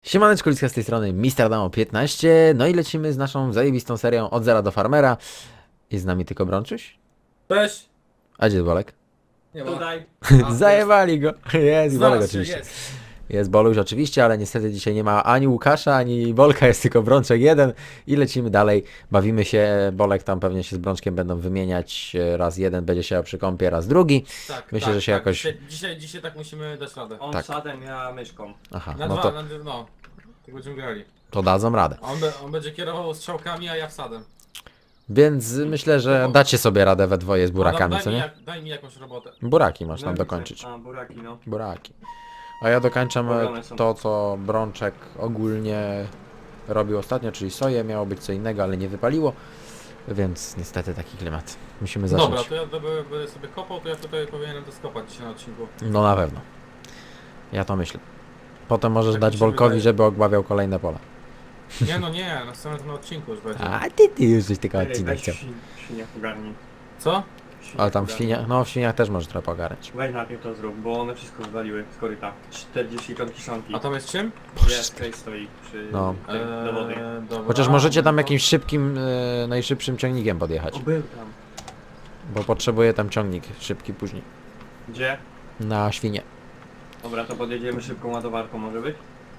Siemaneczko, Liska z tej strony, Mister Damo 15, no i lecimy z naszą zajebistą serią Od Zera do Farmera. Jest z nami tylko Brączyś? Cześć! A gdzie jest Bolek? Nie ma. Tutaj. Zajebali go! Jest i Bolek Znalazł się, oczywiście. jest. Jest Boluś oczywiście, ale niestety dzisiaj nie ma ani Łukasza, ani Bolka, jest tylko Brączek jeden i lecimy dalej. Bawimy się, Bolek tam pewnie się z Brączkiem będą wymieniać, raz jeden będzie się przy kąpie, raz drugi. Tak, Myślę, tak, że się tak. jakoś- Dzisiaj tak musimy dać radę. On Tak. sadem, ja myszką. Aha, Na no dwa, to, no. Tak będziemy grali. to dadzą radę. A on będzie kierował strzałkami, a ja wsadem. Więc myślę, że dacie sobie radę we dwoje z burakami, Adam, co nie? Daj mi jakąś robotę. Buraki masz tam No, dokończyć. A, buraki, no. Buraki. A ja dokończam Robione są. to, co Brączek ogólnie robił ostatnio, czyli soję. Miało być co innego, ale nie wypaliło. Więc niestety taki klimat. Musimy zacząć. Dobra, to ja będę sobie kopał, to ja tutaj powinienem to skopać dzisiaj na odcinku. No na pewno. Ja to myślę. Potem możesz Tak dać mi się Bolkowi, wydaje. żeby ogławiał kolejne pola. Nie, no nie, na samym odcinku już będzie. A ty już żeś tylko Ej, odcinek weź chciał. w świniach ogarnij. Co? Ale tam w ogarnij. świniach, no w świniach też możesz trochę pogarać. Weź najpierw to zrób, bo one wszystko wywaliły z koryta. 40 ton kiszonki. A tam jest czym? Jest, tutaj stoi przy No. tym, do wody. Dobra. Chociaż możecie tam No to- jakimś szybkim, najszybszym ciągnikiem podjechać. O, był tam. Bo potrzebuję tam ciągnik szybki później. Gdzie? Na świnie. Dobra, to podjedziemy szybką ładowarką, może być?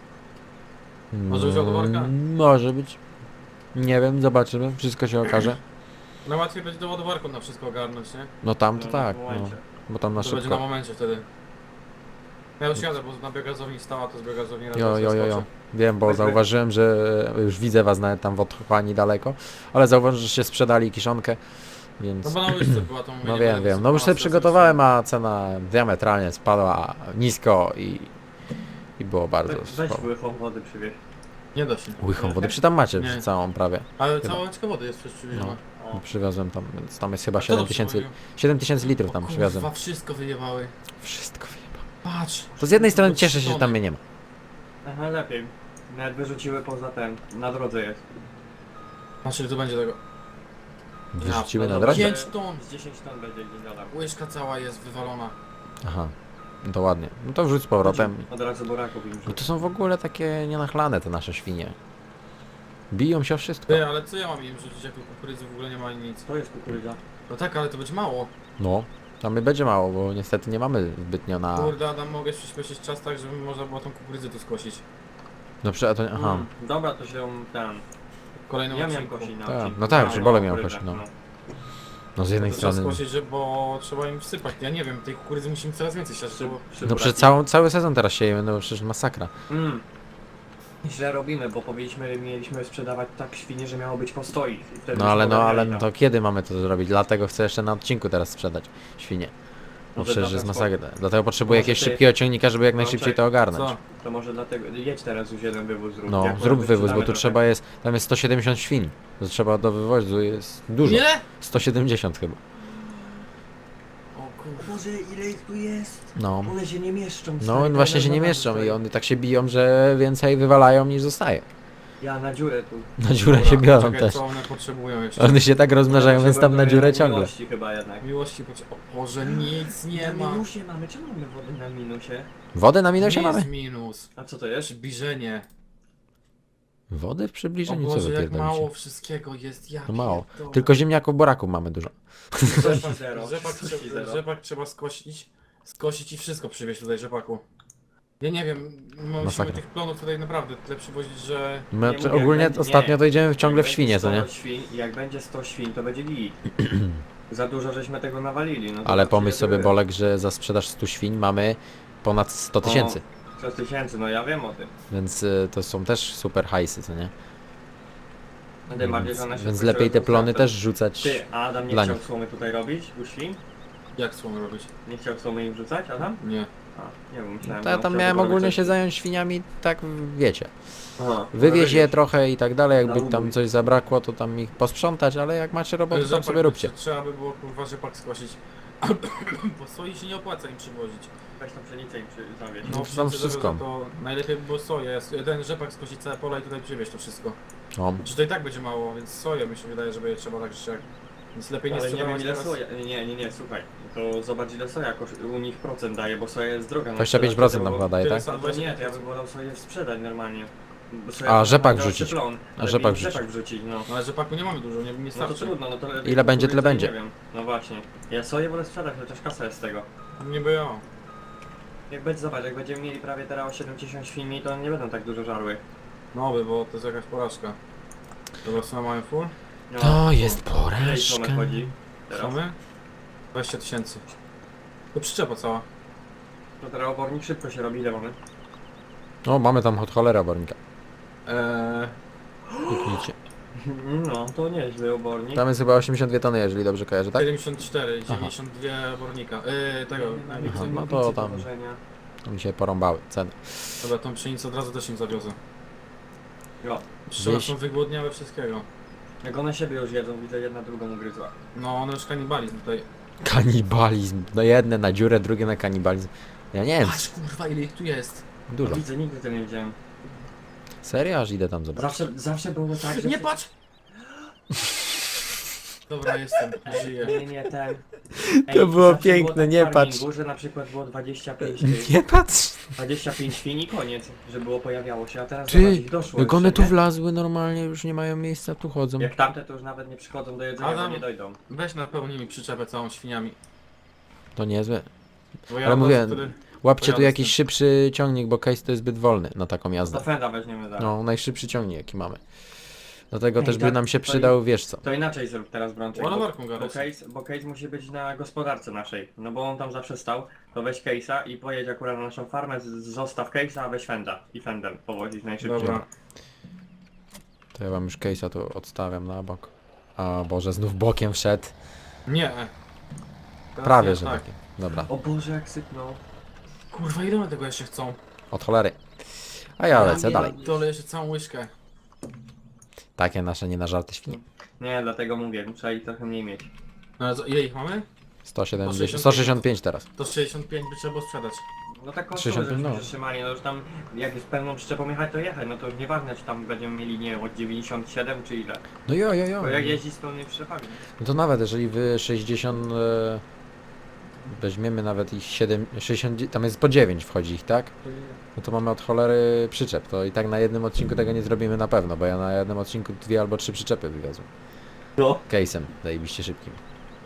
Może być ładowarka? Może być. Nie wiem, zobaczymy. Wszystko się okaże. No łatwiej będzie do ładowarką na wszystko ogarnąć, nie? No tam to No, tak, w no. momencie. Bo tam na To będzie na szybko. momencie wtedy. Ja już jadę, bo na biogazowni stała, to z biogazowni raz Jo. zaskoczę. Wiem, bo Weźmy. zauważyłem, że już widzę was nawet tam w otchłani daleko. Ale zauważyłem, że się sprzedali kiszonkę, więc... No bo na łyżce była to mówię, No nie wiem, będę wiem. No już sobie wysypała, przygotowałem, a cena diametralnie spadła nisko i było bardzo Weź słabo. łychą wody przywieź. Nie da się. Łychą wody, przy tam macie Nie. całą prawie. Ale Chyba. cała łyczka wody jest przecież przywieziona. O. Przywiozłem tam, więc tam jest chyba A kto to 7000 przywoził? 7000 litrów tam O przywiozłem. kurwa, wszystko wyjebały. Wszystko wyjebałem. Patrz. To z jednej strony Do cieszę się, że tam tony. mnie nie ma. Aha, lepiej. Nawet wyrzuciły poza ten, na drodze jest. Patrz, ile tu będzie tego. Wyrzuciły no na dobra. drodze? 5 ton. Z 10 ton będzie gdzieś dodam. Łyżka cała jest wywalona. Aha, no to ładnie. No to wrzuć z powrotem. Od razu buraków im No wrzuć. to są w ogóle takie nienachlane te nasze świnie. Biją się o wszystko. Ty, ale co ja mam im rzucić, jak tu kukurydzy w ogóle nie ma ani nic? To jest kukurydza. No tak, ale to będzie mało. No, tam będzie mało, bo niestety nie mamy zbytnio na... Kurde, Adam, mogę przyspieszyć czas tak, żeby można było tą kukurydzę tu skosić. No a to... Aha. Dobra, to się ten. W kolejnym Ja miałem odcinku. kosić na Tak, odcinku. no tak, A, przy Bole miał kukurydza, kosić, no. No z jednej To trzeba strony... skosić, bo trzeba im wsypać. Ja nie wiem, tej kukurydzy musimy coraz więcej siać, bo... No przez cały sezon teraz siejemy, no przecież masakra. Źle robimy, bo mieliśmy sprzedawać tak świnie, że miało być postoi. I wtedy No ale już no, ale podawiali no tam. to kiedy mamy to zrobić? Dlatego chcę jeszcze na odcinku teraz sprzedać świnie. Bo Może przecież dla jest transportu. masakra. Dlatego potrzebuję Może jakiegoś ty- szybkiego ciągnika, żeby jak No, najszybciej czekaj, to ogarnąć. Co? To może dlatego, jedź teraz już jeden wywóz zrób. No, Jak zrób może wywóz, bo sprzedamy tu trochę. trzeba jest, tam jest 170 świń. To trzeba do wywozu jest dużo. Ile? 170 chyba. O kurwa. Boże, ile ich tu jest? No. One się nie mieszczą. No stary, właśnie one się nie na mieszczą stoi. i one tak się biją, że więcej wywalają niż zostaje. Ja na dziurę tu. Na dziurę Dobra, się biorą czekaj, też. co one potrzebują jeszcze? One się tak rozmnażają, więc tam na dziurę ciągle. Miłości chyba jednak. Miłości O Boże, nic nie na ma. minusie mamy, czemu mamy wodę na minusie? Wodę na minusie Nie mamy? jest minus. A co to jest? Przybliżenie. Wody w O przybliżeniu, co Boże, jak wypierdolicie? mało wszystkiego jest. Ja To mało. pierdolę. Tylko ziemniaków, buraków mamy dużo. Rzepak zero. Rzepak trzeba skosić i wszystko przywieźć tutaj rzepaku. Ja nie wiem, musimy Masakra. tych plonów tutaj naprawdę tyle przywozić, że... My Nie mówię, ogólnie jak będzie- ostatnio nie. to idziemy ciągle w Jak świnie, co będzie nie? 100 świń, jak będzie 100 świń, to będzie git. Za dużo żeśmy tego nawalili. No to Ale znaczy, pomyśl że sobie, były. Bolek, że za sprzedaż 100 świń mamy ponad 100 tysięcy. 100 tysięcy, no ja wiem o tym. Więc to są też super hajsy, co nie? No tym bardziej, że one Więc się lepiej te skończyły plony to- też rzucać. Ty, a Adam nie dla chciał nich. słomy tutaj robić u świń? Jak słomy robić? Nie chciał słomy im wrzucać, Adam? Nie. A, nie wiem, myślałem, To że ja on tam chciał miałem tego ogólnie robić. się zająć świniami, tak wiecie. Aha, Wywieźć je no, trochę i tak dalej, jakby Na tam ubój. coś zabrakło, to tam ich posprzątać, ale jak macie robotę, tam Rzepak sobie róbcie. Trzeba by było kurwa rzepak skosić. Bo soi się nie opłaca im przywozić. Weź tą pszenicę im zawieźć. No, pszenicy, tam żeby wszystko. za To najlepiej by było soję. Jeden rzepak skosić całe pola i tutaj przywieźć to wszystko. O, Czy to i tak będzie mało, więc soję mi się wydaje, żeby je trzeba tak czy jak. Nic lepiej nie Ale nie wiem sprzedawać ile teraz. soja. Nie, słuchaj. To zobacz ile soja u nich procent daje, bo soja jest droga. na 25% sprzedaż, nam bo- chyba daje, tyle tak? samo. No to nie, to ja bym wolał soję sprzedać normalnie. Bo soja A, to rzepak wymaga wrzucić. plon, A, ale rzepak mi wrzucić. rzepak wrzucić, no. No ale rzepaku nie mamy dużo, nie No to starczy. trudno, no to Ile będzie, tyle kukurydzę, będzie. Nie wiem. No właśnie. Ja soję wolę sprzedać, chociaż kasa jest z tego. Nie było. Jak będzie, zobacz, jak będziemy mieli prawie teraz o 70 świni, to nie będą tak dużo żarły. No bo to jest jakaś porażka. Dobra, co mamy full? No, To jest Ile porażka. Tomek chodzi Co teraz? my? 20 000. To przyczepa cała. To teraz obornik szybko się robi, ile mamy? O, mamy tam od cholera obornika. Kliknijcie. No, to nieźle obornik. Tam jest chyba 82 tony, jeżeli dobrze kojarzę, tak? 74, Aha. 92 obornika. Tego, Aha, no Nic to do tam wożenia. mi się porąbały ceny. dobra, tą pszenicę od razu też im zawiozę. Jo. Pszczoły Wieś- są wygłodniałe wszystkiego. Jak one siebie już jedzą, widzę jedna drugą ugryzła. No, one już kanibalizm tutaj. Kanibalizm. No jedne na dziurę, drugie na kanibalizm. Ja nie wiem, Patrz kurwa ile ich tu jest. dużo. Widzę, nigdy tego nie widziałem. Serio? Aż idę tam zobaczyć. Zawsze było tak, że... Nie patrz! Dobra, jestem, żyję. Nie, ten... To było zawsze piękne, tak w nie farmingu, patrz. że na przykład było 25 Nie patrz! 25 świn i koniec, że było pojawiało się, a teraz Ty, zobacz, ich doszło jak już, one tu nie? wlazły normalnie, już nie mają miejsca, tu chodzą. Jak tamte to już nawet nie przychodzą do jedzenia, Adam. bo nie dojdą. Weź napełnij mi przyczepę całą świniami. To niezłe. Bo ja Ale od mówię, razu wtedy... Łapcie tu Pojadę z jakiś tym. szybszy ciągnik, bo case to jest zbyt wolny na taką To jazdę. fenda weźmiemy zaraz. No, najszybszy ciągnik jaki mamy. Dlatego Ej, też by tak, nam się to przydał, wiesz co. To inaczej zrób teraz, Brączek, Ładowarką bo gadać. case musi być na gospodarce naszej, no bo on tam zawsze stał, to weź case'a i pojedź akurat na naszą farmę, zostaw case'a, a weź fenda i fendem powozić najszybciej. Dobra. To ja wam już case'a tu odstawiam na bok. A Boże, znów bokiem wszedł. Nie. Teraz Prawie, nie, że tak. bokiem. Dobra, O Boże, jak sypnął. Kurwa, ile one tego jeszcze chcą? od cholery. A ja lecę nie, dalej. Dole jeszcze całą łyżkę. Takie nasze nie na żarty świnie. Nie, dlatego mówię, trzeba ich trochę mniej mieć. No, ale ile ich mamy? 170, 165 teraz. To 65 by trzeba było sprzedać. No tak kosztuje, 65, żebyśmy no. się trzymali, no już tam jak jest pełną przyczepą jechać, to jechać, no to już nieważne czy tam będziemy mieli, nie wiem, od 97 czy ile. No jo. Bo jak jeździć z pełnymi przyczepami. No to nawet jeżeli wy 60... weźmiemy nawet ich 7, 60, tam jest po 9 wchodzi ich, tak? No to mamy od cholery przyczep, to i tak na jednym odcinku tego nie zrobimy na pewno, bo ja na jednym odcinku 2 albo 3 przyczepy wywiozłem. No. Case'em, zajebiście szybkim.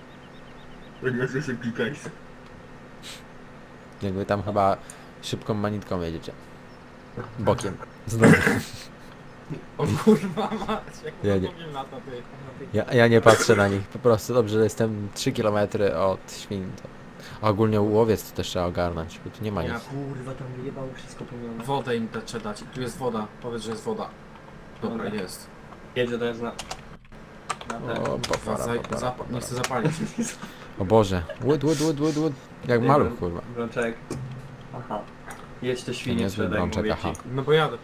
Jakby tam chyba szybką manitką jedziecie. Bokiem. Znowu. O kurwa mać, jak Ja ja nie. nie na to ty. Ja nie patrzę na nich, po prostu dobrze, że jestem 3 km od świn. To. A ogólnie łowiec to też trzeba ogarnąć, bo tu nie ma nic. Ja Kurwa, tam wyjebało wszystko pełnione. Wodę im trzeba dać. Tu jest woda. Powiedz, że jest woda. Dobra, Dobra. jest. Jedzie to jest na... Na ten. O, pofara, pofara, Nie chcę pofara. zapalić. O Boże, łód. Jak Nie maluch, wiem. kurwa. Brączek. Aha. Jedź te świnie niezły sprzedaj, brączek, mówię aha. ci. No pojadę.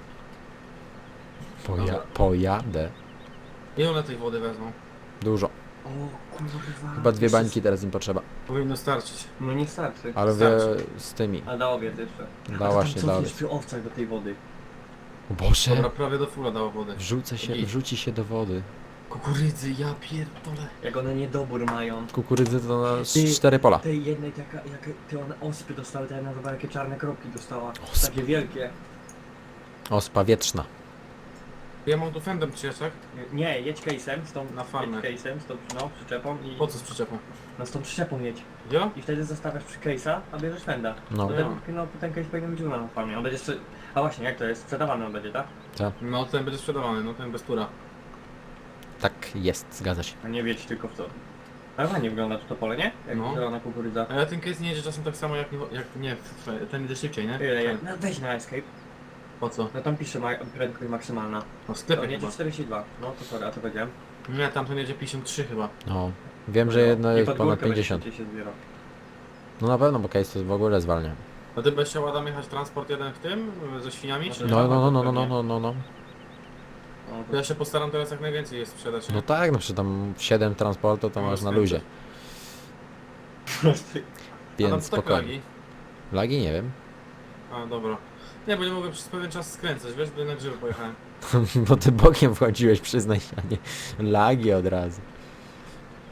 Pojadę. Ile one tej wody wezmą? Dużo. O kurwa. Chyba 2 bańki teraz im potrzeba. Powinno starczyć. No nie starczy. Ale wie Starczy. z tymi. A da obiad jeszcze. Da właśnie, Co da. jest przy owcach do tej wody? O Boże, Dobra, prawie do fula dało wody. wrzuci się do wody. Kukurydzy, ja pierdolę. Jak one niedobór mają. Kukurydzy to na Ty- 4 pola. Tej jednej taka, jak te one ospy dostały, ta jedna chyba jakie czarne kropki dostała. Ospy. Takie wielkie. Ospa wietrzna. Ja mam tu fendem przyjechać, tak? Nie, jedź case'em z tą Na farmę. jedź case'em z tą no, przyczepą i Po co z przyczepą? no z tą przyczepą jedź. Ja? I wtedy zostawiasz przy case'a, a bierzesz fenda. No, No, Ja. no ten case powinien być u nas na farmie. On będzie jeszcze... A właśnie, jak to jest? Sprzedawany on będzie, tak? No ten będzie sprzedawany, no ten bez tura. tak jest, zgadza się. A nie wiecie tylko w co. Ale ładnie wygląda to pole, nie? Jak No. zielona kukurydza. Ale ten case nie jedzie czasem tak samo jak ten idzie szybciej, nie? No weź na escape. Po co? No tam pisze prędkość maksymalna. No w To sklepie jedzie chyba. 42. No to sorry, a to powiedziałem. Nie, tamten jedzie 53 chyba. No. Wiem, że jedno I jest pod ponad górkę będzie 50. szybciej się zbiera. No na pewno, bo case to w ogóle zwalnia. A ty będziesz chciał Adam jechać transport jeden w tym? Ze świniami? Czy nie? No. No, To ja się postaram teraz jak najwięcej je sprzedać. No tak, no przecież tam 7 transportu to No, masz na skręcę. luzie. Adam, Więc co tak spokojnie. lagi? Lagi nie wiem. A, dobra. Nie, bo nie mogę przez pewien czas skręcać, wiesz, bo na grzyby pojechałem. Bo ty bokiem wchodziłeś, przyznaj się, a nie lagi od razu.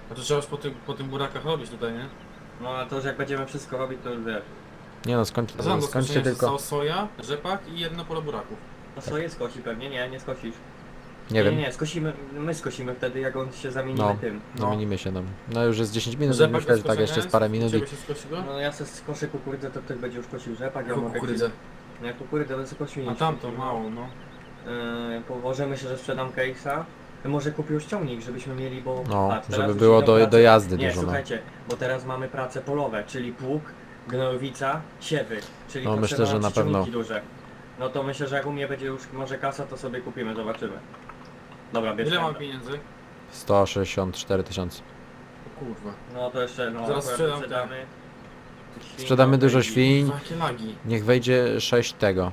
A to trzeba już po tym burakach robić tutaj, nie? No ale to już jak będziemy wszystko robić, to już wiesz. Nie no, A znam do skończcie skoszenia tylko... zostało soja, rzepak i jedno pole buraków. No swoje skosi pewnie, nie skosisz. Nie wiem, Nie, skosimy, my skosimy wtedy jak on się zamienimy No. tym. zamienimy się, no. No już jest 10 minut, Rzepak myślę, że do tak jeszcze skoszenia z parę jest? minut i... Ciebie się skosi go? No ja se skoszę kukurydzę, to ktoś będzie już kosił rzepak, ja Jaką mogę... kukurydzę? Nie, kukurydzę będę sobie kosił. A tamto mało, no. Położę, myślę, że sprzedam case'a. Może kupię już ciągnik, żebyśmy mieli, bo... No, patrz, teraz żeby już było idą do prace- jazdy Nie, dużo, no. słuchajcie, bo teraz mamy prace polowe, czyli pług, gnojowica, siewy, czyli No, potrzeba myślę, że nam na pewno. ciągniki duże. No to myślę, że jak u mnie będzie już może kasa, to sobie kupimy, zobaczymy. Dobra, bierz Ile mam pędzę. pieniędzy? 164 tysiące. O kurwa. No to jeszcze, no Zaraz akurat sprzedam Świń, Sprzedamy dużo wejdzie. świń, Jakie lagi. niech wejdzie 6 tego.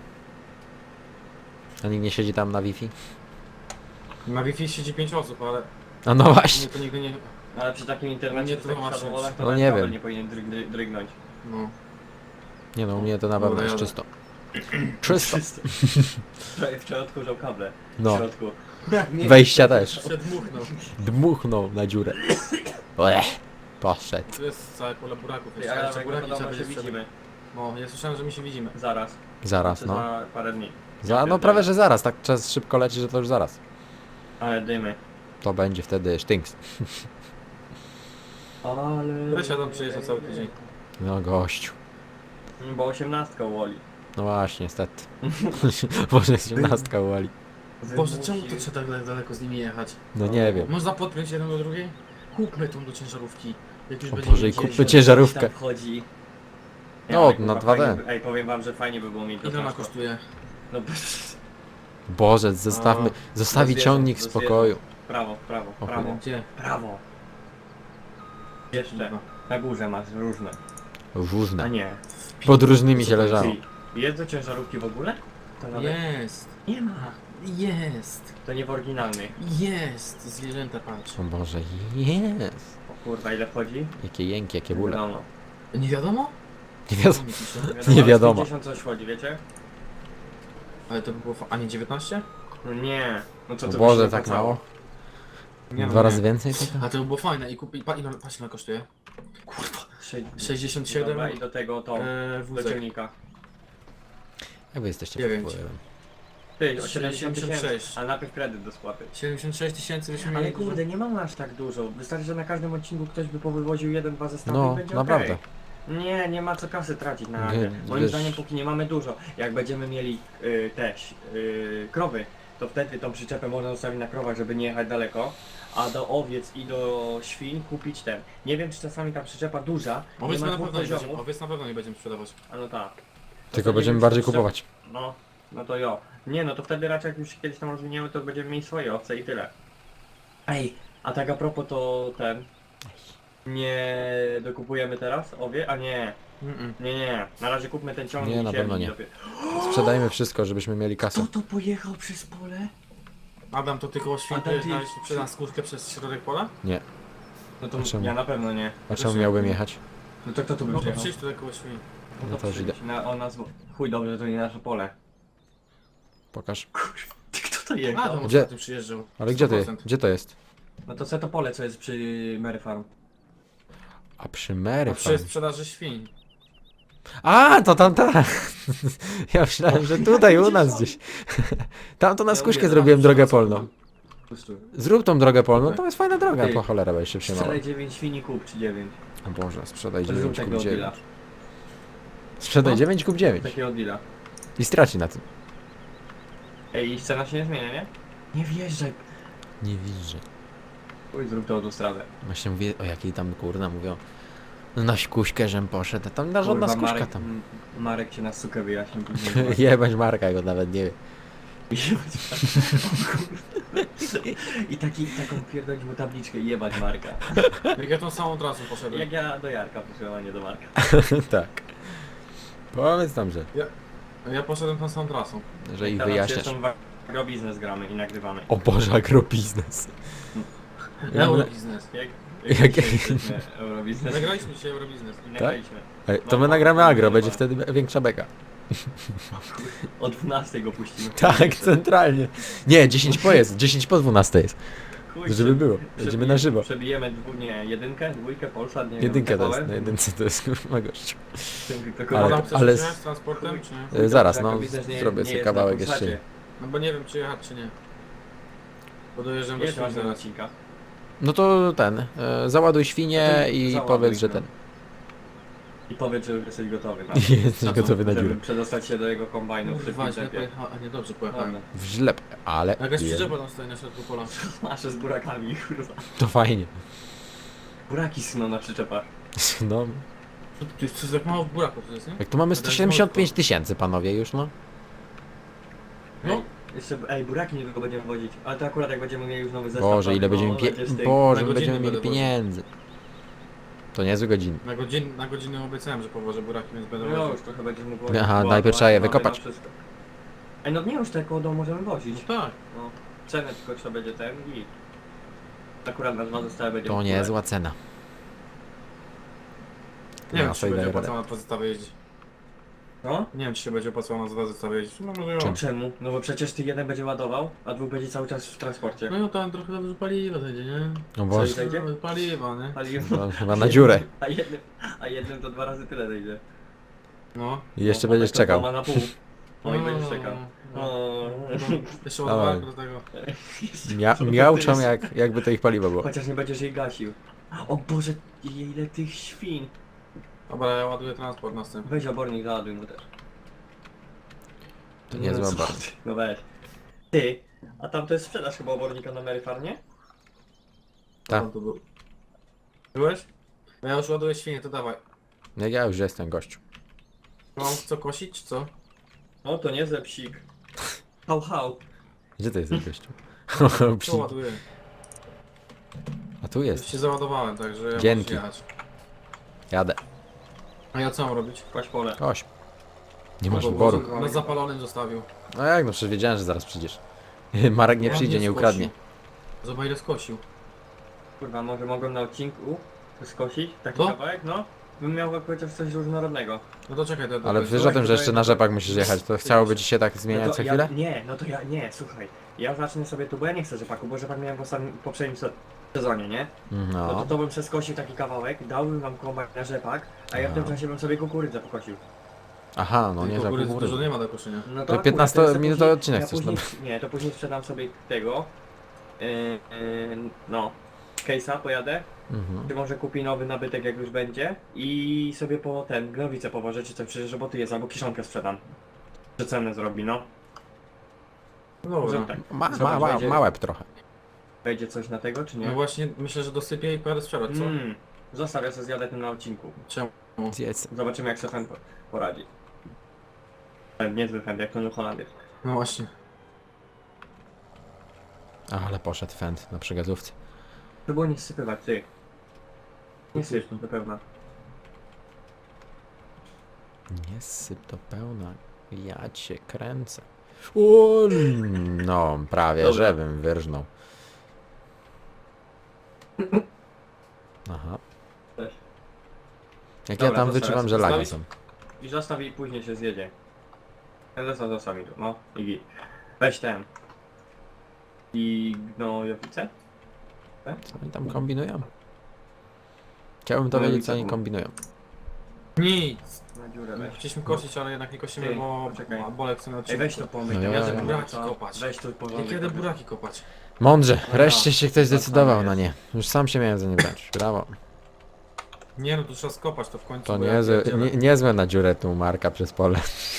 A nikt nie siedzi tam na Wi-Fi? Na Wi-Fi siedzi 5 osób, ale A no właśnie. mnie to nigdy nie... Ale przy takim internecie, Nie w takich tłumaczyć. szadowolach, to No nawet nie kabel wiem. nie powinien drygnąć. No. Nie no, u mnie to na pewno Dobra, jest jadę. czysto. Czysto. Wczoraj odkurzał kable w No, środku. wejścia też. Przedmuchnął. Dmuchnął na dziurę. Poszedł. To jest całe pole buraków. Ty, Jeszcze, ale jeszcze jak buraki podobno trzeba się będzie sprzedać. widzimy. No, ja słyszałem, że my się widzimy. Zaraz. Zaraz, Czy no. za parę dni. No prawie, że zaraz. Tak czas szybko leci, że to już zaraz. Ale dymy. To będzie wtedy sztynks. Ale... Weź Adam przyjeżdża cały tydzień. No gościu. Bo 18 Woli. No właśnie, niestety. Może jest 17 uwali. Boże, czemu to trzeba tak daleko z nimi jechać? No nie wiem. Można podpiąć jeden do drugiej? Kupmy tą do ciężarówki. Jak już O będzie Boże, i jeździć. kupmy ciężarówkę. Tam wchodzi. No, ale na kurwa, 2D. fajnie by- Ej, powiem wam, że fajnie by było mieć to Ile ona transport. kosztuje? No, Boże, zostawmy. Zostawi zwierząt, ciągnik w do spokoju. prawo, O, prawo. Gdzie? Prawo. Jeszcze. Na górze masz różne. A Różne. nie. Pod różnymi się leżało. Ty, jest do ciężarówki w ogóle? To nawet Jest. nie ma. Jest. To nie w oryginalnej. Jest. Zwierzęta patrz. O Boże, jest. O kurwa, ile wchodzi? Jakie jęki, jakie bóle. Wiadomo. Nie wiadomo? Nie wiadomo. Co mi pisze? Nie ale wiadomo. 50 coś wchodzi, wiecie? Ale to by było... A nie 19? No nie. No co O to Boże, by się tak opłacało? mało? Nie, Dwa razy więcej tego? A to by było fajne i kupi... Ile, patrz ile kosztuje. Kurwa. 67 Dobra, i do tego to. Do wózek. ciągnika. Jak wy jesteście 9. pod wpływem? Ty, o 70 76. tysięcy. Ale najpierw kredyt do spłaty. 76 tysięcy byśmy mieli... Ale kurde, nie mamy aż tak dużo. Wystarczy, że na każdym odcinku ktoś by powywoził jeden, dwa zestawy No, i będzie naprawdę. okej. Nie ma co kasy tracić na Nie, razie. Moim wiesz- zdaniem póki nie mamy dużo. Jak będziemy mieli krowy, to wtedy tą przyczepę można zostawić na krowach, żeby nie jechać daleko. A do owiec i do świń kupić ten. Nie wiem czy czasami ta przyczepa duża, nie Owiec ma na dwóch pewno nie będziemy, poziomów. owiec na pewno nie będziemy sprzedawać. A no tak. Tylko nie będziemy wiem, bardziej czy to- kupować. No to jo. Nie no to wtedy raczej jak już się kiedyś tam rozwiniemy, to będziemy mieli swoje owce i tyle. Ej, a tak a propos to ten... Nie dokupujemy teraz owie? A nie. Nie. Na razie kupmy ten ciągnik Nie, na i pewno nie. dopiero. Sprzedajmy wszystko, żebyśmy mieli kasę. Kto to pojechał przez pole? Adam, to ty koło świn Adam, ty- znaleźć sprzedam skórkę przez środek pola? Nie. No to A czemu? ja na pewno nie. A czemu miałbym jechać? No to kto tu by No to przyjechał? przyjdź tutaj koło świn. No to już idę. On nas... Chuj dobrze, to nie nasze pole. Pokaż. Ty kto to jechał? Adam Gdzie? ostatnio przyjeżdżał. Ale gdzie to jest? 100%. Gdzie to jest? No to co to pole, co jest przy Mary Farm? A przy Mary A przy Farm. sprzedaży świń. A, to tam tak. Ja myślałem, że tutaj u nas gdzieś. Tam to na Ja skuśkę mówię, zrobiłem tam drogę wszystko polną. Pustuj. Zrób tą drogę polną, Okej. to jest fajna droga. Ty. Po cholera, bo jeszcze się mało. Sprzedaj 9 świni, kup czy 9. O Boże, sprzedaj Zrób 9 takiego kup 9. deala. Sprzedaj No. 9 kup 9. Takiego deala. I straci na tym. Ej, i cena się nie zmienia, nie? Nie wjeżdżaj. Nie widzę. Oj, zrób to autostradę. Właśnie mówię, o jakiej tam kurna mówią. No na skuśkę, żem poszedł. Tam na żadna Kurwa, skuśka Marek, tam. Marek cię na sukę wyjaśnił później. Jebać Marka, go nawet nie wie. I taką pierdolić mu tabliczkę i jebać Marka. Jak ja tą samą trasą poszedłem. Jak ja do Jarka przyszedłem, a nie do Marka. Tak. Powiedz tam, że Ja poszedłem tą samą trasą. ich Teraz wyjaśniasz. jeszcze agrobiznes gramy i nagrywamy. O Boże, agrobiznes. Eurobiznes. Jak- Nie, Eurobiznes. Nagraliśmy dzisiaj Eurobiznes. I nagraliśmy. Ej, to my nagramy agro, będzie wtedy większa beka. O 12 go puścimy. Tak, centralnie. Nie, 10 po jest, 10 po 12 jest. Chuj, Żeby było. Będziemy na żywo. Przebijemy jedynkę, dwójkę, Polsat, nie Jedynkę to wiem, jest, na jedynce to jest kurwa gościu. Tylko Ale- Ale, chcesz ale- jechać z transportem, czy nie? Zaraz, no, zrobię sobie kawałek jeszcze. No bo nie wiem, czy jechać, czy nie. Bo dojeżdżam do Jest Świń ważny zaraz. odcinka. No to ten, załaduj świnie i Załaduj, powiedz, że no. ten. I powiedz, że już jesteś gotowy na Jesteś gotowy na dziurę. żeby przedostać się do jego kombajnu w Kurwa, szybkim źle tempie. pojechałem. A nie, dobrze pojechałem. Dobra. W źle, ale Jakaś przyczepa tam stoi na środku pola. Nasze z burakami, kurwa. to fajnie. Buraki sną na przyczepach. No, To jest tak mało w buraków, to jest, nie? jak tu mamy 175 000 panowie już, no. No. Jeszcze, buraki niedługo będziemy wozić. Ale to akurat jak będziemy mieli już nowy zestaw. Boże, to- ile będziemy no, będzie styk. Boże, Na my będziemy godzinę mieli będę pieniędzy. To niezłe godziny. Na godzinę obiecałem, że powożę buraki, więc będę No woził. już trochę będziesz mógł Aha, wozić. najpierw trzeba je Mamy wykopać. na wszystko. Ej, no nie już tak koło domu możemy wozić. No tak. No. Cenę tylko trzeba będzie ten i... Akurat na 2 zestawy będzie To w ogóle. niezła cena. Nie wiem, Na czy się sobie będzie daje radę. opłacało na dwa zestawy jeździć. No? Nie wiem, czy się będzie opłacało na dwa zestawy jeździć. No może Czym? ją. Czemu? No bo przecież ty jeden będzie ładował, a dwóch będzie cały czas w transporcie. No tam trochę dobrze paliwa zejdzie, nie? No Co Boże, zejdzie? No, paliwa, nie? Paliwo. no, chyba na dziurę. A jednym to 2 razy tyle zejdzie. No. I jeszcze No, będziesz tak to czekał. dwoma na pół. No i będziesz czekał. No. No. Jeszcze Dawaj. ładowarkę do tego. Miałczą jakby to ich paliwo było. Chociaż nie będziesz jej gasił. O Boże, ile tych świn. Dobra, ja ładuję transport następny. Weź obornik, załaduj mu też. To niezła No co bardzo. ty? No weź. Ty, a tam to jest sprzedaż chyba obornika na Mary Farmie? Tak. Tam tu był. Byłeś? No ja już ładuję świnie, to dawaj. Jak ja już jestem gościu. Mam co kosić, czy co? No to niezły psik. Hał, hał. Gdzie ty jesteś gościu? Co ładuję? A tu Już jest. się załadowałem, także ja Dzięki. muszę jechać. Jadę. A ja co mam robić? Kłaś pole. Koś. Nie masz Bo- wyboru. bo Na zapalonym zostawił. No jak, no przecież wiedziałem, że zaraz przyjdziesz. Marek nie Ładnie przyjdzie, nie skosił. ukradnie. Zobacz ile skosił. Kurwa, może mogłem na odcinku skosić taki Co? kawałek, no? Bym miał chociaż coś różnorodnego. No to czekaj, to Ale to- wiesz o tym, że jeszcze na rzepak musisz jechać, to chciałoby ci się tak zmieniać No co to chwilę? nie, słuchaj. Ja zacznę sobie tu, bo ja nie chcę rzepaku, bo rzepak miałem w poprzednim sezonie, nie? No to No. to bym przeskosił taki kawałek, dałbym wam kombajn na rzepak, a ja w tym No. czasie bym sobie kukurydzę pokosił. Aha, no nie, że kukurydzy kukurydzy. dużo nie ma do koszenia. No To akurat, 15-minutowy później- odcinek ja chcesz, później, Nie, to później sprzedam sobie tego, no, case'a pojadę, Mhm. czy może kupi nowy nabytek jak już będzie i sobie po ten, gnowicę powożę, czy coś, przecież roboty jest, albo kiszonkę sprzedam. Że cenę zrobi, no. No dobra. Że tak. Ma łeb trochę. Wejdzie coś na tego, czy nie? No właśnie myślę, że dosypię i pojadę sprzedać, co? Zostaw, ja sobie zjadę tym na odcinku. Czemu? Zjedz. Zobaczymy jak sobie ten poradzi. Niezły fend, jak ten Holandier. No właśnie. Ale poszedł fend na przegazówce. To było nie sypywać, ty. Nie syp, to pewna. Nie syp do pełna. Ja cię kręcę. O, no, prawie, Dobra. żebym wyrżnął. Aha. Weź. Jak Dobra, ja tam to wyczuwam, zaraz że lagi są. zostawić? I zostaw i później się zjedzie. Ja zostaw mi tu, no. I git. Weź ten. I gnojowicę? Co oni tam kombinują? Chciałbym to No, wiedzieć, nic co oni takiego. kombinują. Nic! Na dziurę weź. Chcieliśmy kosić, ale jednak nie kosimy, Ty, bo poczekaj. Bolek chce na Ej, odcinku. weź to pomyj. No tam ja jadę wiem. buraki Co? kopać. Weź tu Ja porządek. kiedy robię. buraki kopać? Mądrze, No wreszcie ja. się ktoś zdecydował Tak na samo nie. Już sam się miałem za nie brać. Brawo. Nie no, tu trzeba skopać to w końcu. To bo ja niezłe, pierdzielę. niezłe na dziurę tu Marka przez pole.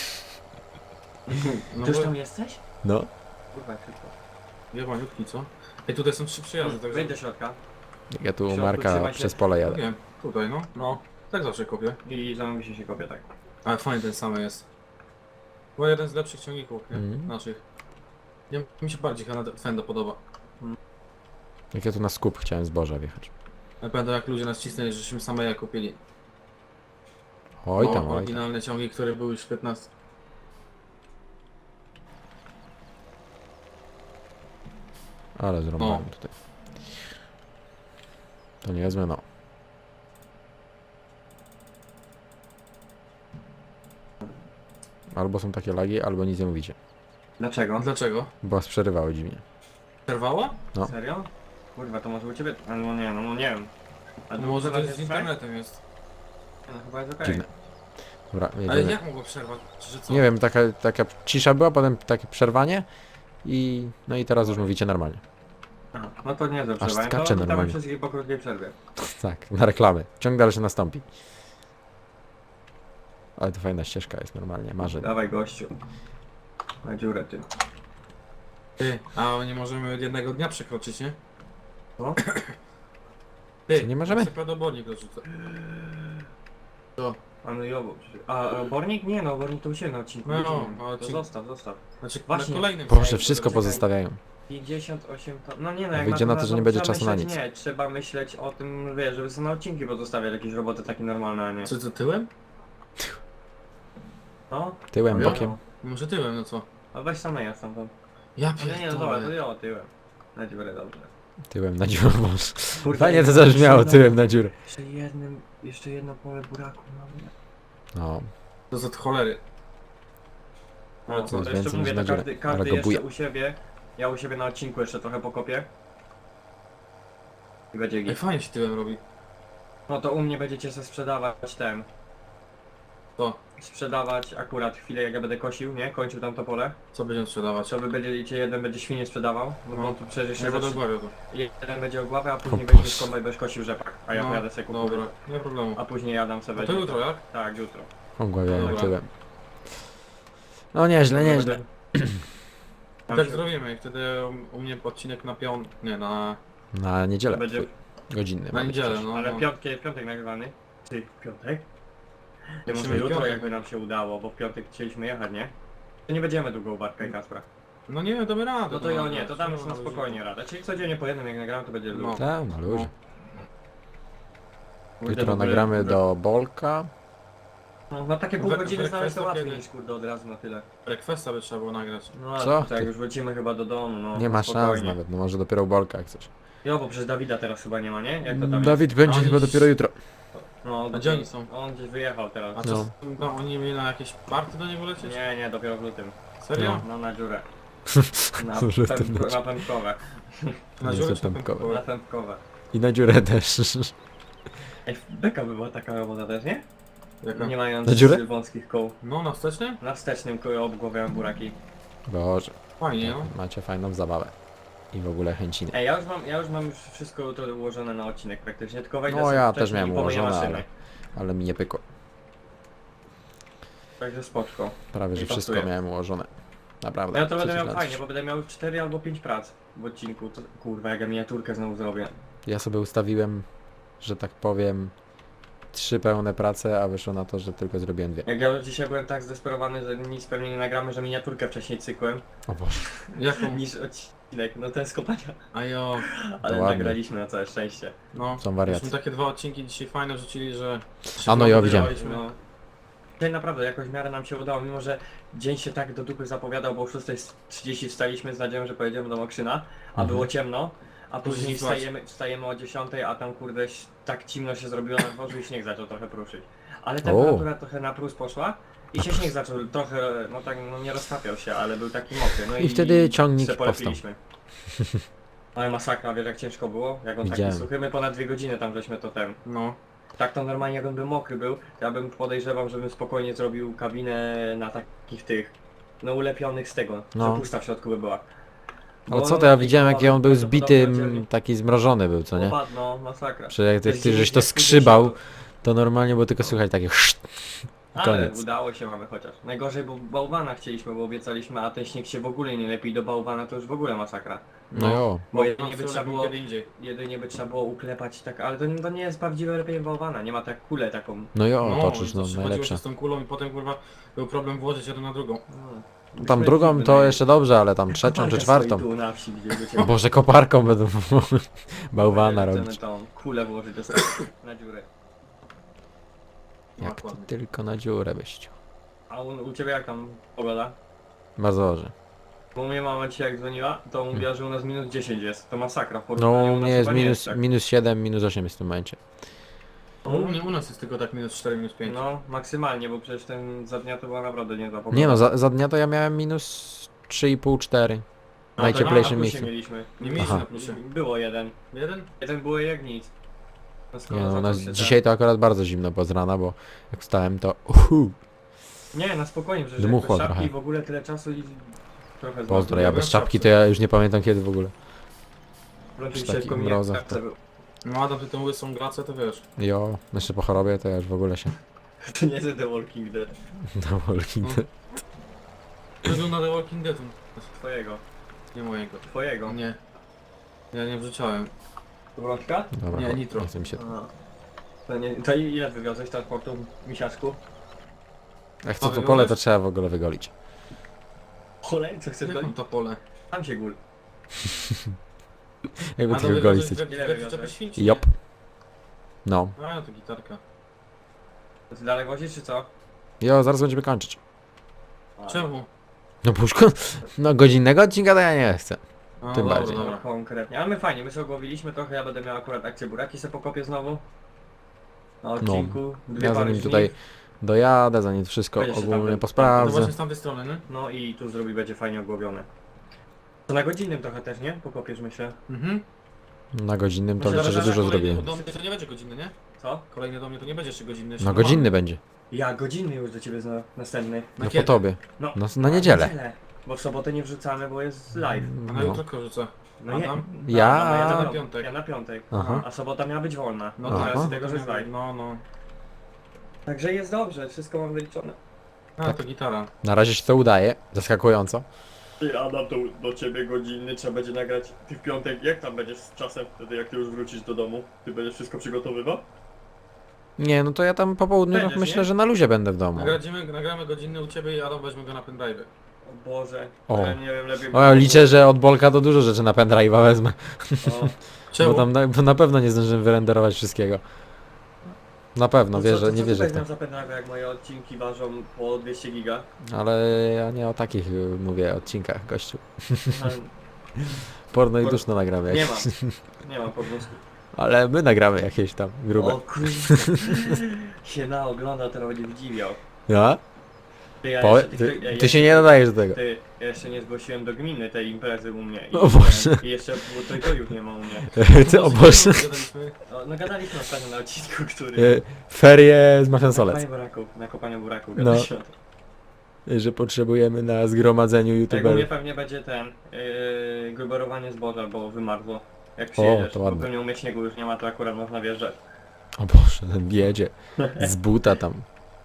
No Ty już bo... tam jesteś? No. Kurwa, jak szybko. Jebaniutki, co? Ej, tutaj są 3 przejazdy, także... Wejdź do środka Ja tu u środku Marka trzymaj się. przez pole No jadę. wiem, tutaj no. No, tak zawsze kopię. i zamówi się kopie tak. Ale fajny ten sam jest. Bo jeden z lepszych ciągników, nie? Mhm. Naszych. Nie, mi się bardziej chyba Fenda podoba. Jak ja tu na skup chciałem zboża wjechać. Ja pamiętam jak ludzie nas cisnęli, żeśmy same je kupili. Oj No, tam, oj tam. oryginalne ciągi, które były już 15. Ale zrobiłem O. tutaj. To niezłe no. Albo są takie lagi, albo nic nie mówicie. Dlaczego? Dlaczego? Bo przerywały dziwnie. Przerwała? No. Serio? Kurwa, to może u ciebie... No nie, no nie wiem. A No może to teraz jest z okej? internetem jest. No chyba jest okej. Dziwne. Dobra, Ale jedziemy. jak mogło przerwać? Że co? Nie wiem, taka cisza była, potem takie przerwanie i... No i teraz już mówicie normalnie. Aha, no to nie dobrze. skacze to witamy normalnie. wszystkich po krótkiej przerwie. Tak, na reklamy. Ciąg dalszy nastąpi. Ale to fajna ścieżka jest normalnie, marzeń. Dawaj gościu. Na dziurę ty. Ty, a nie możemy jednego dnia przekroczyć, nie? Co? Ty, Co, nie możemy? Obornik dorzucę. To, Mamy jowo. A obornik? Nie no, obornik to u siebie na odcinku. No, będziemy. na To odcinku. zostaw. znaczy Właśnie. na kolejnym. Proszę, wszystko Czekaj. pozostawiają. 58 to... No nie no, A jak wyjdzie na to, że nie będzie trzeba czasu na myśleć, nic. Nie, trzeba myśleć o tym, wiesz, żeby sobie na odcinki pozostawiać jakieś roboty takie normalne, a nie. Co tyłem? No? Tyłem, No. bokiem. Może tyłem, no co? A weź sam ja tam. Ja Ale nie, no dobra, to pierdolę. ja tyłem. Na dziurę, dobrze. Tyłem na dziurę, boże. Kurde, Fajnie to jeszcze zabrzmiało, jedno- tyłem na dziurę. Jeszcze jedno pole buraku mamy. No, To za cholery. No, to to jest jeszcze więcej mówię, niż na to dziurę, każdy ale go jeszcze buja. u siebie, ja u siebie na odcinku jeszcze trochę pokopię. I będzie Ej, git. fajnie się tyłem robi. No to u mnie będziecie sobie sprzedawać ten. To, Sprzedawać akurat chwilę jak ja będę kosił, nie? Kończył tam to pole. co będziemy sprzedawać? Co wy będziecie, jeden będzie świnie sprzedawał, no bo No. tu przecież Nie się będę zacznie- ogławiał to. jeden będzie ogławę, a później O będzie Boże. kombaj będziesz kosił rzepak. A ja No, pojadę sobie kupować. Dobra, nie ma problemu. A później jadam sobie. A to jutro, jak? Tak, jutro. ogławiają Dobra. tyłem. No nieźle, nieźle. Tam Tak się- zrobimy i wtedy u mnie odcinek na nie, na... Na niedzielę. Będzie- Godzinny. Na ma być niedzielę, też. no. Ale no. piątek nagrywany. Ty, piątek? Nie Musimy może jutro piątek. jakby nam się udało, bo w piątek chcieliśmy jechać, nie? To nie będziemy długo u Bartka i Kaspra. No nie, damy radę. No to ja nie, to damy już na spokojnie radę. Czyli codziennie po jednym jak nagramy to będzie No. luz. Tak, na luzie. Kurde, w Jutro ogóle- nagramy do Bolka. No, na takie pół We- godziny we- znaleźć to kwestia łatwiej kiedy? niż kurde od razu na tyle. Requesta by trzeba było nagrać. No Co ale tak, ty? już wrócimy chyba do domu, no. Nie ma spokojnie. szans nawet, no może dopiero u Bolka jak coś. Jo, bo przecież Dawida teraz chyba nie ma, nie? Jak to tam Dawid będzie Oni chyba dziś- dopiero jutro. jest? No, A gdzie oni są? On gdzieś wyjechał teraz. A No. co, no, oni mieli na jakieś party do niego lecieć? Nie, dopiero w lutym. Serio? No na dziurę. Na, W lutym leci. na pępkowe. Na Nie, dziurę są czy na pępkowe. pępkowe? Na pępkowe. I na dziurę też. Ej, beka by była taka robota też, nie? Jaka? Nie mając Na dziurę? wąskich koł. No, na wstecznym? Na wstecznym koło obgławiałem buraki. Boże, Fajnie, no. macie fajną zabawę. I w ogóle chęciny. Ej, ja już mam wszystko to ułożone na odcinek praktycznie, tylko wejdę No, sobie ja wcześniej też miałem i pomyję ułożone, maszyny. ale mi nie pykło. Także spoczko. Prawie, że Nie wszystko pasuje. miałem ułożone. Naprawdę. Ja to będę Coś miał na fajnie, coś. bo będę miał 4 albo 5 prac w odcinku. To, kurwa, jak ja miniaturkę znowu zrobię. Ja sobie ustawiłem, że tak powiem, 3 pełne prace, a wyszło na to, że tylko zrobiłem 2. Jak ja już dzisiaj byłem tak zdesperowany, że nic pewnie nie nagramy, że miniaturkę wcześniej cykłem, O Boże. Jaką? niż odcinek. No ten z kopania. A jo, Ale ładnie. nagraliśmy na całe szczęście. no. Są wariacje. Myśmy takie 2 odcinki dzisiaj fajne wrzucili, że... A no, ja widziałem. Wygraliśmy. No. Dzisiaj naprawdę jakoś w miarę nam się udało, mimo że dzień się tak do dupy zapowiadał, bo o 6:30 wstaliśmy z nadzieją, że pojedziemy do Mokrzyna, a Mhm. było ciemno, a później Później spać. wstajemy o 10, a tam kurde tak ciemno się zrobiło na dworzu i śnieg zaczął trochę pruszyć. Ale temperatura trochę na plus poszła i się śnieg zaczął trochę, no tak, no nie roztapiał się, ale był taki mokry. No I wtedy ciągnik se powstał. polepiliśmy. Ale masakra, wiesz jak ciężko było? Jak on Widziałem. taki suchy, my ponad 2 godziny tam żeśmy to No. tak to normalnie jak on by mokry był, to ja bym podejrzewał, żebym spokojnie zrobił kabinę na takich tych, no ulepionych z tego, No. że pusta w środku by była. Ale Bo co to ja no, widziałem, jaki on był prawdopodobnie zbity, oddzielnie- taki zmrożony był, co nie? No, masakra. Że jak To ty jest żeś to 90. skrzybał, to normalnie było tylko słychać takie szt. Ale koniec. udało się mamy chociaż. Najgorzej, bo bałwana chcieliśmy, bo obiecaliśmy, a ten śnieg się w ogóle nie lepi do bałwana, to już w ogóle masakra. No jo. Bo No, jedynie by trzeba było, kiedy indziej. jedynie by trzeba było uklepać tak, ale to nie jest prawdziwe lepiej bałwana, nie ma tak kulę taką. No jo, toczysz, i no to się chodziło najlepsze. się z tą kulą i potem kurwa był problem włożyć jedną na drugą. No. Tam Myśmy drugą ekipy to najęli. jeszcze dobrze, ale tam trzecią czy Koparka czwartą. stoi tu na wsi, gdzie by cię- O Boże, koparką będą bałwana Chcemy robić. tą kulę włożyć do na dziurę. Jak ty Dokładnie. tylko na dziurę byś. A u ciebie jak tam pogoda? Bardzo dobrze. Bo u mnie mama dzisiaj jak dzwoniła, to mówiła, że u nas minus 10 jest. To masakra. W No porównaniu u u nas mnie jest chyba nie minus, tak. minus 7, minus 8 jest w tym momencie. U nas jest tylko tak minus 4, minus 5. No, maksymalnie, bo przecież ten za dnia to była naprawdę nie Nie no, za dnia to ja miałem minus 3,5, 4. A, najcieplejszym to na miejscu. plusie mieliśmy. Nie mieliśmy Aha. na plusie. Było jeden. Jeden? Jeden było jak nic. No skoro Nie no, zaczął no się dzisiaj to akurat bardzo zimno było z rana, bo jak wstałem to Nie, na spokojnie, że Dmuchło bez szapki trochę. w ogóle tyle czasu i trochę pozdro, ja bez bez czapki czapki. to ja już nie pamiętam kiedy w ogóle. Wręcz przy dzisiaj takich tylko mrozach mnie to- był. No Adam, ty tą łysą gracę, to wiesz. Jo, jeszcze po chorobie to ja już w ogóle się To nie jest The Walking Dead. na Walking Dead. Wygląda na The Walking Dead. Twojego. Nie mojego. Twojego. Nie. Ja nie wrzucałem. Wrączka? Dobra, Nie, cho- nitro. nie chcę mi się. Aha. To, nie, to ile wywiozłeś transportu, misiaczku? Jak Co co to wyglądasz? pole to trzeba w ogóle wygolić. Cholej, co chcesz Jak mam golić? to pole? Tam się gól. Jakby Adam, tylko golić wywiozłeś chcecie. Ile we wywiozłeś? przyczepy świn, czy nie? Jop. No. A, to gitarka. To ty dalej wozisz, czy co? Jo, zaraz będziemy kończyć. Czemu? No puszko, no godzinnego odcinka to ja nie chcę. A, Tym dobra, bardziej. Dobra. Konkretnie, ale my fajnie, my sobie ogłowiliśmy trochę, ja będę miał akurat akcję buraki, se pokopię znowu. Na odcinku, dwie Ja pary zanim żniw. tutaj dojadę, zanim wszystko Będzie się tam ogólnie ten- No posprawdzę. właśnie z tamtej strony, nie? No i tu zrobi, będzie fajnie ogłowione. To na godzinnym trochę też, nie? Pokopiesz, myślę. Mhm. Na godzinnym to Myślę, liczę, że dużo kolejny zrobiłem. Do mnie to nie będzie godzinny, nie? Co? Kolejny do mnie to nie będzie jeszcze godzinny. jeszcze No normalny. godzinny będzie. Ja godzinny już do ciebie następny. Na No po kiedy? tobie. No, No na niedzielę. Bo w sobotę nie wrzucamy, bo jest live. A na No. jutro korzycę. No nie. Adam? Ja- No, ja na na piątek. Ja na piątek. Aha. A sobota miała być wolna. No No Aha. teraz z tego, że jest live. No, no. Także jest dobrze, wszystko mam wyliczone. A, Tak. to gitara. Na razie się to udaje, zaskakująco. Ty Adam, to do ciebie godzinny trzeba będzie nagrać. Ty w piątek, jak tam będziesz z czasem wtedy, jak ty już wrócisz do domu? Ty będziesz wszystko przygotowywał? Nie, no to ja tam po południu Będziesz, myślę, nie? że na luzie będę w domu. Nagramy godzinny u ciebie i Adam weźmie go na pendrive. O Boże, O. ja nie wiem, lepiej... O, liczę, że od Bolka to dużo rzeczy na pendrive'a wezmę. O, Czemu? Bo tam bo na pewno nie zdążymy wyrenderować wszystkiego. Na pewno, to wierzę, co nie ty wierzę w weźmiesz to. za pendrive, jak moje odcinki ważą po 200 giga? Ale ja nie o takich mówię odcinkach, gościu. No, Porno i duszno nagramy nie jakieś. mam, nie mam po prostu. Ale my nagramy jakieś tam grube. O kurde, się naogląda, to będzie zdziwiał. Ja? Ty, ja Po, jeszcze- ty się nie nadajesz do tego. Ty, ja jeszcze nie zgłosiłem do gminy tej imprezy u mnie. O Boże. I jeszcze było to już nie ma u mnie. Ty, o Boże. Gadaliśmy. O, no gadaliśmy ostatnio na odcinku, który... Ferie z Mafian Na Solec. kopaniu buraków, na kopaniu buraków No. gadaliśmy. Że potrzebujemy na zgromadzeniu Jak u mnie youtuberów. pewnie będzie ten, gruberowanie zboża, bo wymarzło. Jak przyjedziesz, to bo ładne. pewnie u mnie śniegu już nie ma, to akurat można wjeżdżać. O Boże, ten jedzie. Z buta tam.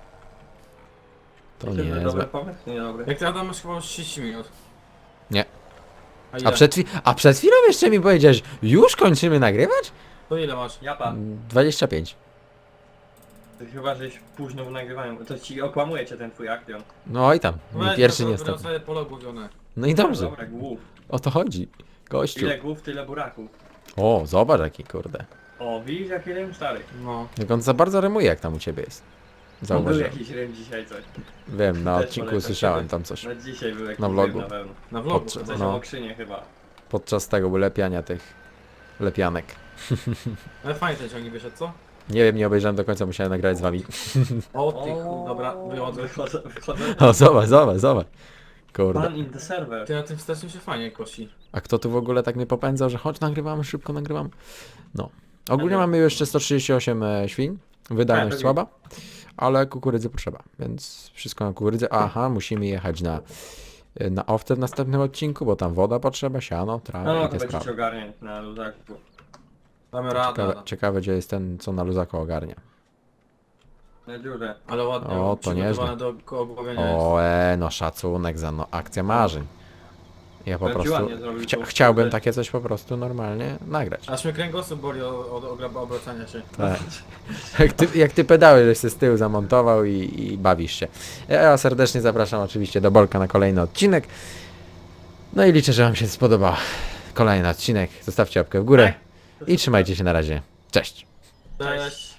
To Myślę, że nie dobry jest. pomysł? Nie dobry. Jak ty Adam masz chyba już 30 minut. Nie. A ile? A przed chwilą jeszcze mi powiedziałeś, już kończymy nagrywać? To ile masz? Japa, 25. ty chyba żeś późno w nagrywaniu, to ci okłamuje cię ten twój aktion. No i tam, Weź, pierwszy to nie będą ostatni. sobie pole ogłowione. No i dobrze, Dobra, głów. o to chodzi. Gościu. Ile głów, tyle buraków. O, zobacz jaki kurde. O, widzisz jaki rym stary. No. Jak on za bardzo rymuje jak tam u ciebie jest. Był Zauważyłem. jakiś rym dzisiaj coś. Wiem, na Też odcinku polecam słyszałem sobie. tam coś. Na dzisiaj był jakiś Na vlogu. rym na pewno. Na vlogu. Podczas- Coś No. o okrzynie chyba. Podczas tego lepiania tych lepianek. Ale fajnie ten ciągnik wyszedł, co? Nie wiem, nie obejrzałem do końca, musiałem nagrać z wami. O ty chuj, dobra, wychodzę. Wychodzę. O, zobacz. Kurde. Pan in the server. Ty na tym wstecznym się fajnie kosi. A kto tu w ogóle tak mnie popędzał, że chodź nagrywamy, szybko nagrywamy? No. Ogólnie Ja mamy jeszcze 138 świń. Wydajność Tak, słaba, ale kukurydzy potrzeba, więc wszystko na kukurydzę. Aha, musimy jechać na oftę w następnym odcinku, bo tam woda potrzeba, siano, trawa No, i to te będziecie sprawy. ogarniać na luzaku. Damy radę. Ciekawe, Adam. ciekawe, gdzie jest ten, co na luzako ogarnia. Na dziurze. Ale ładnie. O, to przygotowane do ogłowienia jest. O, no szacunek za no, akcja marzeń. Ja po Powiem ci prostu ładnie zrobił to. chciałbym takie coś po prostu normalnie nagrać. Aż mnie kręgosłup boli od obracania się. Tak. Jak ty pedały, żeś się z tyłu zamontował i bawisz się. Ja serdecznie zapraszam oczywiście do Bolka na kolejny odcinek. No i liczę, że wam się spodobał kolejny odcinek. Zostawcie łapkę w górę i trzymajcie się na razie. Cześć! Cześć.